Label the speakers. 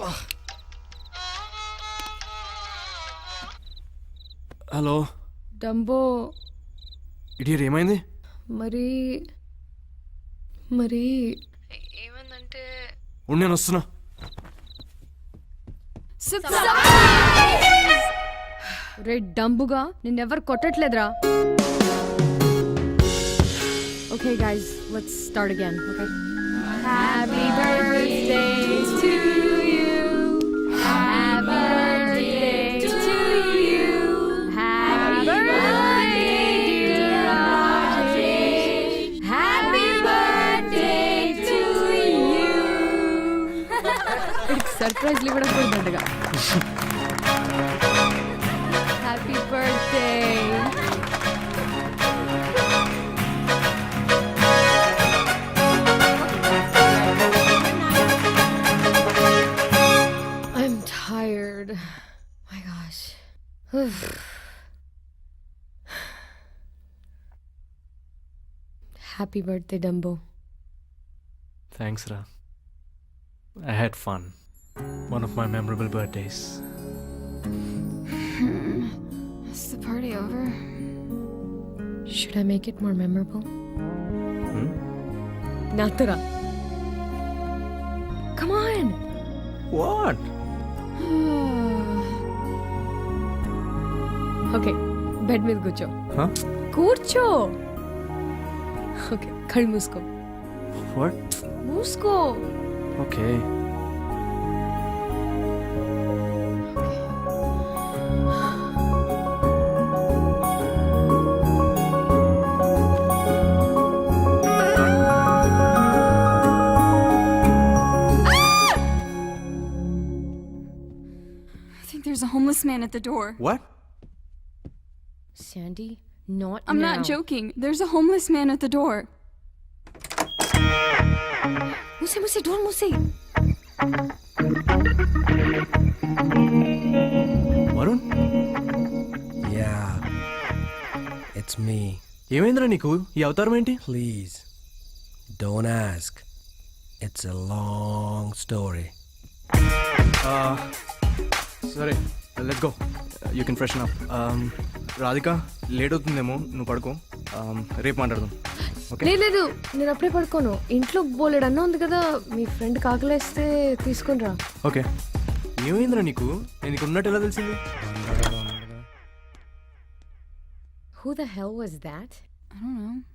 Speaker 1: Hello
Speaker 2: Dumbo.
Speaker 1: ఇడియర్ ఏమైంది?
Speaker 2: మరి మరి ఏమందంటే
Speaker 1: నేను వస్తున్నా.
Speaker 2: రే డంబుగా నిన్నెవరు కొట్టట్లేదురా. Okay guys, let's start again. Okay. Happy birthday to you. Happy birthday to you. Happy birthday dear Rajesh. Happy birthday to you. Surprise ఇవ్వడం పోయిందంటగా. Happy birthday. I'm tired. My gosh. Happy birthday, Dumbo.
Speaker 1: Thanks రా. I had fun. One of my memorable birthdays.
Speaker 2: Is the party over? Should I make it more memorable? Natura. Come on.
Speaker 1: What?
Speaker 2: Okay, bed మీద కూర్చో.
Speaker 1: Huh?
Speaker 2: కూర్చో. Okay, కళ్ళు మూసుకో.
Speaker 1: What?
Speaker 2: మూసుకో.
Speaker 1: Okay.
Speaker 3: I think there's a homeless man at the door.
Speaker 1: What?
Speaker 2: Sandy, not
Speaker 3: I'm
Speaker 2: now.
Speaker 3: not joking. There's a homeless man at the door.
Speaker 2: మూసే door మూసే.
Speaker 1: Varun,
Speaker 4: Yeah, it's me.
Speaker 1: ఏమైందిరా నీకు? ఈ అవతారం ఏంటి?
Speaker 4: Please, don't ask. It's a long story.
Speaker 1: సరే, let go. You can freshen up. Radhika, late అవుతుందేమో, నువ్వు పడుకో. రేపు మాట్లాడదాం. ఓకే?
Speaker 2: లేదు, నేను అప్పుడే పడుకోను. ఇంట్లో బోలెడు అన్న ఉంది కదా, మీ ఫ్రెండ్ కాకలేస్తే తీసుకుని రా.
Speaker 1: ఓకే. ఏమైందిరా నీకు? నేను ఇక్కడ ఉన్నట్టు ఎలా తెలిసింది?
Speaker 2: Who the hell was that?
Speaker 3: I don't know.